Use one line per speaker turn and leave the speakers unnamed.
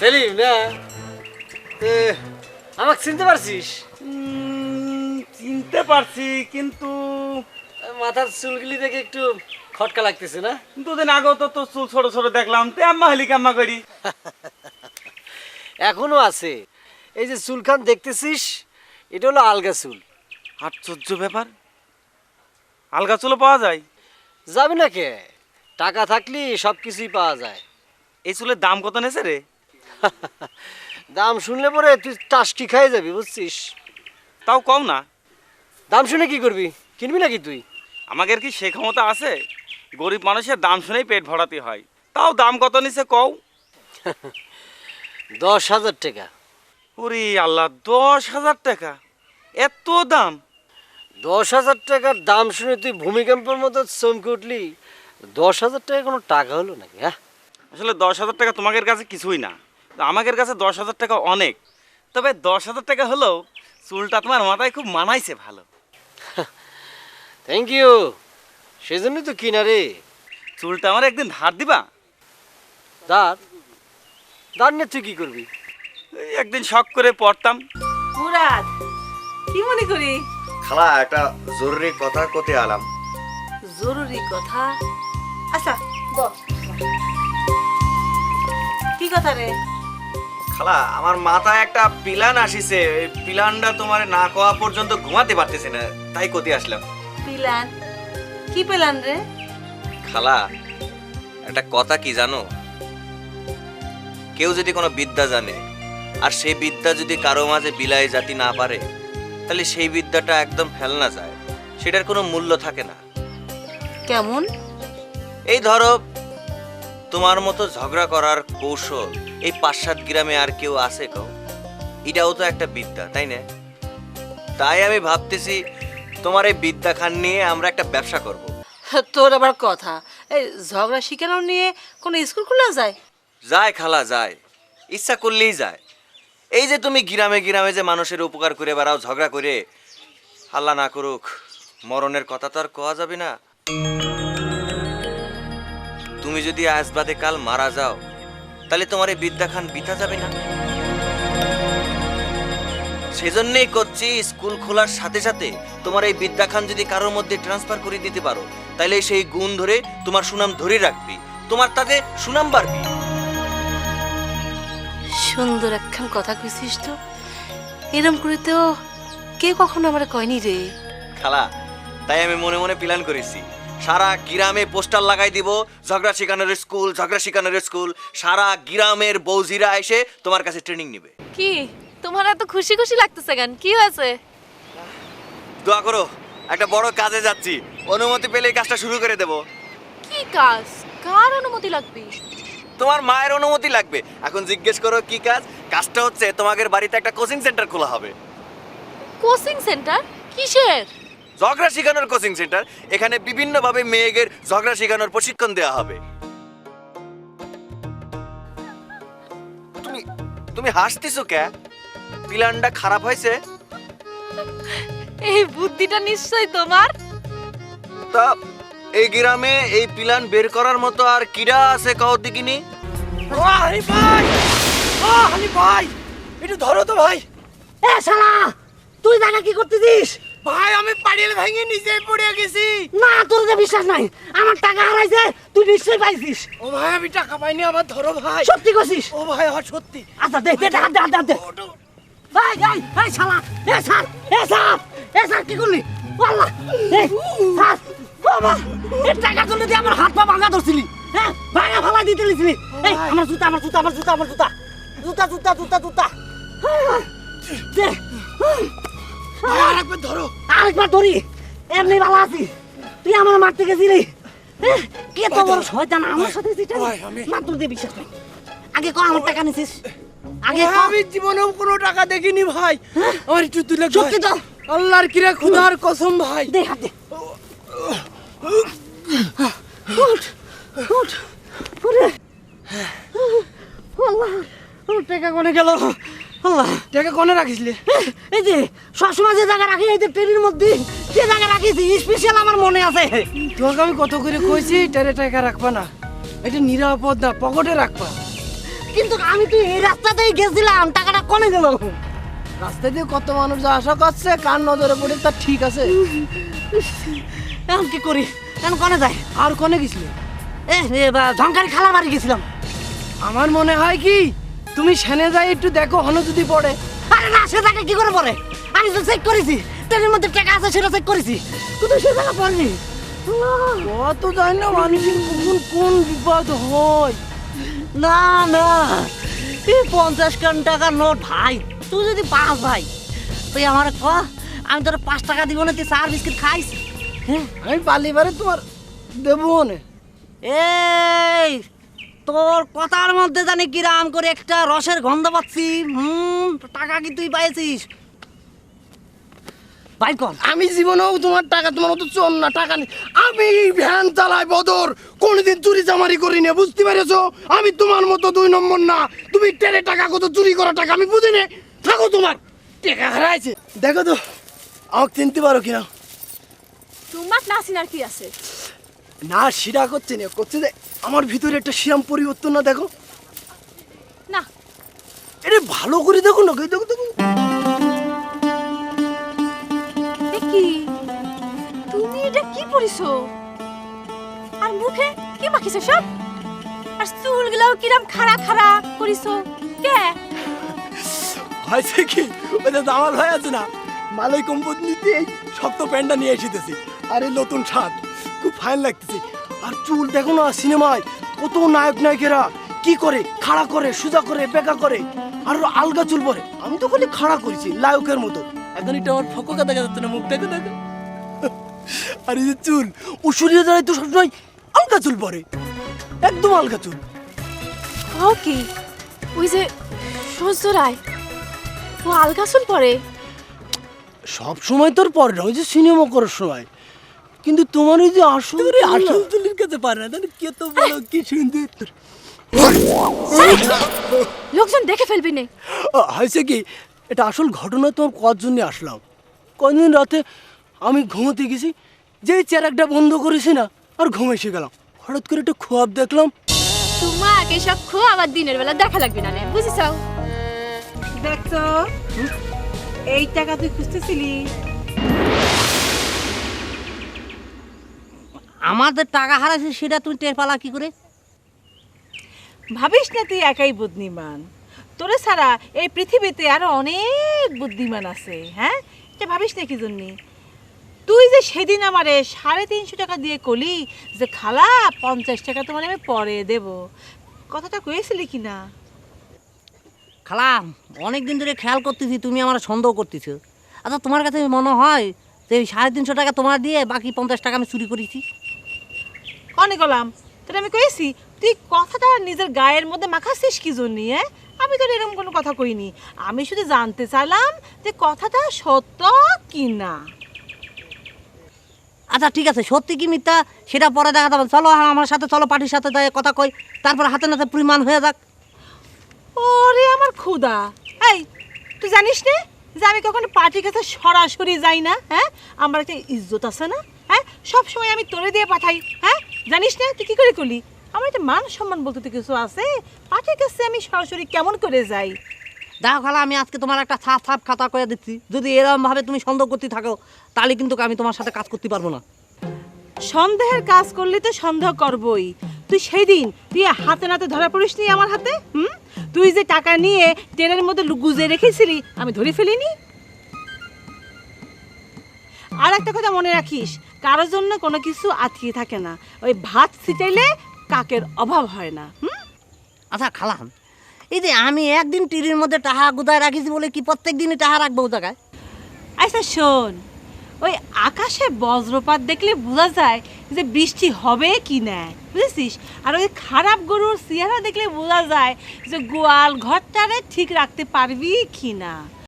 সেলিম না আমাকে চিনতে পারছিস?
চিনতে পারছি, কিন্তু
মাথার চুলগুলি দেখে একটু খটকা লাগতেছে না?
দুদিন আগেও তো তোর চুল ছোট ছোট দেখলাম, তে আম্মা হলি কাম্মা করি।
এখনো আছে। এই যে চুলখান দেখতেছিস, এটা হলো আলগা চুল।
আশ্চর্য ব্যাপার, আলগা চুলও পাওয়া যায়?
যাবে না কে, টাকা থাকলে সব কিছুই পাওয়া যায়।
এই চুলের দাম কত নেছে রে?
দাম শুনলে পরে তুই টাসকি খাই যাবি, বুঝছিস?
তাও কম না।
দাম শুনে কি করবি, কিনবি নাকি তুই?
আমাদের কি সে ক্ষমতা আছে? গরিব মানুষের দাম শুনেই পেট ভরাতে হয়। তাও দাম কত নিছে কও?
10,000 টাকা।
ওরে আল্লাহ, 10,000 টাকা? এত দাম?
10,000 টাকার দাম শুনে তুই ভূমিকম্পের মতো চমকে উঠলি। 10,000 টাকা কোনো টাকা হলো নাকি? হ্যাঁ,
আসলে 10,000 টাকা তোমাদের কাছে কিছুই না, আমাদের কাছে 10,000 টাকা অনেক। তবে 10,000 টাকা হলেও চুলটা তোমার মাথায় খুব মানাইছে ভালো।
Thank you. সেজন্যই তো কিনা রে।
চুলটা আমার একদিন ধার দিবা?
দাঁড় দাঁড় নিয়ে তুই কি করবি?
এই একদিন শখ করে পড়তাম।
মুরাদ, কি মনে করি?
খালা একটা জরুরি কথা কতে আলাম।
জরুরি কথা? আচ্ছা বল। কি কথা রে?
খালা, আমার মাথায় একটা প্ল্যান আসিছে, এই প্ল্যানটা তোমার না কোয়া পর্যন্ত ঘুমাতে পারতেছি না, তাই কতে আসলাম।
প্ল্যান? কি প্ল্যান রে?
খালা, একটা কথা কি জানো? কেউ যদি কোনো বিদ্যা জানে আর সেই বিদ্যা যদি কারো মাঝে বিলাই জাতি না পারে, তাহলে সেই বিদ্যাটা একদম ফেলনা যায়, সেটার কোনো মূল্য থাকে না।
কেমন?
এই ধরো, তোমার মতো ঝগড়া করার কৌশল এই 5-7 গ্রামে আর কেউ আছে কও? এটাও তো একটা বিদ্যা, তাই না? তাই আমি ভাবতেছি তোমার এই বিদ্যা খান নিয়ে আমরা একটা ব্যবসা করব।
তোর আবার কথা, এই ঝগড়া শিখানো নিয়ে কোনো স্কুল খোলা যায়?
যায় খালা, যায়, ইচ্ছা করলেই যায়। এই যে তুমি গ্রামে গ্রামে যে মানুষের উপকার করে বেড়াও, ঝগড়া করে, আল্লাহ না করুক মরণের কথা তো আর কোয়া যাবে না। তুমি যদি আজ বাদে কাল মারা যাও, তাহলে তোমার এই বিদ্যা খান বৃথা যাবে না। সেজন্যই করছি, স্কুল খোলার সাথে সাথে তোমার এই বিদ্যা খান যদি কারোর মধ্যে ট্রান্সফার করে দিতে পারো, তাহলে সেই গুণ ধরে তোমার সুনাম ধরে রাখবি, তোমার তাতে সুনাম বাড়বি।
সুন্দর একখান কথা কইছিস তো। এরম করে তো কেউ কখনো আমার কয়নি রে।
খালা, তাই আমি মনে মনে প্ল্যান করেছি, সারা গ্রামে পোস্টার লাগাই দিব, ঝগড়া শিখানোর স্কুল, ঝগড়া শিখানোর স্কুল। সারা গ্রামের বৌজিরা এসে তোমার কাছে ট্রেনিং নেবে।
কি তোমার এত খুশি খুশি লাগতেছে কেন? কি হয়েছে?
দোয়া করো, একটা বড় কাজে যাচ্ছি, অনুমতি পেলে এই কাজটা শুরু করে দেব।
কি কাজ? কার অনুমতি লাগবে?
তোমার মায়ের অনুমতি লাগবে। এখন জিজ্ঞেস করো কি কাজ? কাজটা হচ্ছে তোমাদের বাড়িতে একটা কোচিং সেন্টার খোলা হবে।
Coaching centre? কিসের?
ঝগড়া শিখানোর কোচিং সেন্টার। এখানে বিভিন্নভাবে মেয়েদের ঝগড়া শিখানোর প্রশিক্ষণ দেওয়া হবে। তুমি তুমি হাসতেছো কে? প্ল্যানটা খারাপ হয়েছে?
এই বুদ্ধিটা নিশ্চয়ই তোমার।
তা এই গ্রামে এই প্ল্যান বের করার মতো আর কিরা আছে কাউ দেখিনি?
হানি ভাই, হানি ভাই, একটু ধরো তো ভাই।
এ শালা, তুই জায়গা কি করতেছিস?
ভাই আমি পাড়িয়ে ভেঙে নিচে পড়ে গেছি।
না, তোর যে বিশ্বাস নাই। আমার টাকা হারাইছে, তুই নিশ্চয়ই পাইছিস।
ও ভাই আমি টাকা পাইনি, আমার ধরো ভাই।
সত্যি কইছিস?
ও ভাই আমার সত্যি।
আচ্ছা দে দে টাকা, দে দে। ভাই ভাই, এই শালা, এ স্যার, এ স্যার কি করলি? আল্লাহ, এই স্যার, বাবা, এই টাকা তুলে দিয়ে আমার হাত পা ভাঙা ধরছিলি, হ্যাঁ? ভাঙা ফালা দিতে লিছিলি। এই আমার জুতা, আমার জুতা, আমার জুতা, আমার জুতা, জুতা জুতা জুতা জুতা। দে,
আরেকবার ধরো।
আরেকবার ধরি, এমনি ভালো আছি। তুই আমার মারতে গেছিলি, কে তো বড় শয়তান আমার সাথে যেটা মাত্র দিয়ে বিশ্বাস নাই। আগে ক আমার টাকা নিছিস, আগে ক।
আমি জীবনেও কোনো টাকা দেখিনি ভাই। আমার একটু তুলে
সত্যি তো?
আল্লাহর কিরা খুদার কসম ভাই।
দে হাত দে। উঠ, উঠ, উঠে। আল্লাহ, আমার টাকা কোনে গেল? আল্লাহ,
টাকা কোনে রাখিসলে?
এই যে সবসময় যে জায়গা রাখি, এই যে ট্রেনের মধ্যে যে জায়গা রাখিছি, স্পেশাল আমার মনে আছে।
তোকে আমি কত করে কইছি টাকা রাখবা না, এটা নিরাপদ না, পকেটে রাখবা।
কিন্তু আমি তো এই রাস্তাতেই গেছিলাম, টাকাটা কনে গেল?
রাস্তা দিয়ে কত মানুষ যা আসা করছে, কার নজরে পড়ে তা ঠিক আছে।
এখন কি করি? এখন কনে যায়?
আর কোনে গেছিলে?
ঝঙ্কারি খালার বাড়ি গেছিলাম।
আমার মনে হয় কি তুমি সেনে যাই একটু দেখো, হনো যদি পড়ে।
আরে না, সে টাকা কি করে পড়ে? আমি তো চেক করেছি, ট্রেনের মধ্যে টাকা আছে সেটা চেক করেছি, কিন্তু সে টাকা পড়েনি।
কত জানি না মানুষের কখন কোন বিপদ হয়।
না না, এই 50 টাকার নোট ভাই, তুই যদি পাস ভাই, তুই আমার ক, আমি তোর 5 টাকা দিব না, তুই 4 বিস্কিট খাইস। হ্যাঁ,
আমি পালিবারে তোমার দেবো না।
এই তোর কথার মধ্যে জানি কিরাম করে একটা রসের গন্ধ পাচ্ছি। টাকা কি তুই পাইছিস? ভাই কর।
আমি জীবনেও তোমার টাকা, তোমার মতো চোর না, টাকা নেই। আমি ভ্যান চালাই বদর, কোনদিন চুরি চামারি করি না, বুঝতে পেরেছো? আমি তোমার মতো 2 নম্বর না। তুমি টেনে টাকা কত চুরি করা টাকা আমি বুঝি না। থাকো, তোমার টাকা হারাইছে। দেখো তো আমাকে চিনতে পারো কিনা।
তোমার নাসিনার কি আছে?
না শিরা করছে না, করছে যে আমার ভিতরে একটা শিরাম পরিবর্তন না, দেখো
না,
এটা ভালো করে দেখো না, দেখো দেখো।
কি তুমি এটা কি পরিছো? আর মুখে কি মাখিছো সব? আর চুলগুলাও কিরম খাড়া খাড়া করিছো কে?
হয়েছে কি, ওই যে দামাল ভাই আছে না, মালয় কোম্পানি নিতে এই শক্ত প্যান্টটা নিয়ে এসেতেছি। আর এই নতুন শার্ট খুব ফাইন লাগতেছে। আর চুল দেখো না, সিনেমায় কত নায়ক নায়িকেরা কি করে, খাড়া করে, সোজা করে, বেঁকা করে, আর আলগা চুল পরে। আমি তো খালি খাড়া করেছি লায়কের মতো। এখন এটা আমার ফককা দেখা যাচ্ছে না, মুখটাকে দেখো। আর এই যে চুল, ও সূর্য দাঁড়ায় তো সবসময় আলগা চুল পরে, একদম আলগা চুল।
ও কি ওই যে সহ্য রায়, ও আলগা চুল পরে?
সব সময় তোর পরে না, ওই যে সিনেমা করার সময়। কিন্তু তোমার ওই যে আসল চুলের কাছে পারে না, তাহলে কে তো বলো কি সুন্দর।
লোকজন দেখে ফেলবি নে।
হয়েছে কি, এটা আসল ঘটনা। তোমার কর জন্য আসলাম। কদিন রাতে আমি ঘুমোতে গেছি, যেই চেরাকটা বন্ধ করেছি না, আর ঘুমে এসে গেলাম। হঠাৎ করে একটা খোয়াব দেখলাম।
তোমাকে সব খো আবার দিনের বেলা দেখা লাগবে না, বুঝিস?
দেখছো, এই টাকা তুই খুঁজতেছিলি?
আমাদের টাকা হারাইছে সেটা তুই টের পালা কি করে?
ভাবিস না তুই একাই বুদ্ধিমান, তোরে ছাড়া এই পৃথিবীতে আরো অনেক বুদ্ধিমান আছে। হ্যাঁ, এটা ভাবিস না কি জন্যে? তুই যে সেদিন আমারে 350 টাকা দিয়ে কলি যে খালা 50 টাকা তোমার আমি পরে দেব, কথাটা কয়েছিলি কি না?
খালা, অনেকদিন ধরে খেয়াল করতেছি তুমি আমার সন্দেহ করতেছো। আচ্ছা, তোমার কাছে মনে হয় যে 350 টাকা তোমার দিয়ে বাকি 50 টাকা আমি চুরি করেছি?
কনে গেলাম তাহলে আমি কয়েছি? তুই কথাটা নিজের গায়ের মধ্যে মাখাচ্ছিস কি জন্যে? হ্যাঁ, আমি তো এরকম কোনো কথা কইনি। আমি শুধু জানতে চাইলাম যে কথাটা সত্য কি না।
আচ্ছা ঠিক আছে, সত্যি কি মিথ্যা সেটা পরে দেখা যাবে। চলো আমার সাথে, চলো পার্টির সাথে যাই কথা কই, তারপর হাতে নাতে পরিমাণ হয়ে যাক।
ওরে আমার ক্ষুধা! এই, তুই জানিস না যে আমি কখনো পার্টির কাছে সরাসরি যাই না? হ্যাঁ, আমার একটা ইজ্জত আছে না? হ্যাঁ, সব সময় আমি তোরে দিয়ে পাঠাই। হ্যাঁ, জানিস না তুই কি করে করলি? আমার একটা মান সম্মান বলতে তো কিছু আছে। পার্টির কাছে আমি সরাসরি কেমন করে যাই?
দেখো খালা, আমি আজকে তোমার একটা সাফ খাতা করে দিচ্ছি। যদি এরকম ভাবে তুমি সন্দেহ করতে থাকো, তাহলে কিন্তু আমি তোমার সাথে কাজ করতে পারবো না।
সন্দেহের কাজ করলে তো সন্দেহ করবই। তুই সেই দিন তুই হাতে নাতে ধরা পড়িস নি আমার হাতে? তুই যে টাকা নিয়ে ট্রেনের মধ্যে গুজে রেখেছিলি, আমি ধরে ফেলিনি? আর একটা কথা মনে রাখিস, কারোর জন্য কোনো কিছু আটকিয়ে থাকে না। ওই ভাত ছিটাইলে কাকের অভাব হয় না।
আচ্ছা খালা, এই যে আমি একদিন টিরির মধ্যে টাহা গুদায় রাখিছি বলে কি প্রত্যেক দিনই টাহা রাখবো ও জায়গায়?
আচ্ছা শোন, ওই আকাশে বজ্রপাত দেখলে বোঝা যায় যে বৃষ্টি হবে কি না, বুঝেছিস? আর ওই খারাপ গরুর চেহারা দেখলে বোঝা যায় যে গোয়াল ঘরটারে ঠিক রাখতে পারবি কি না।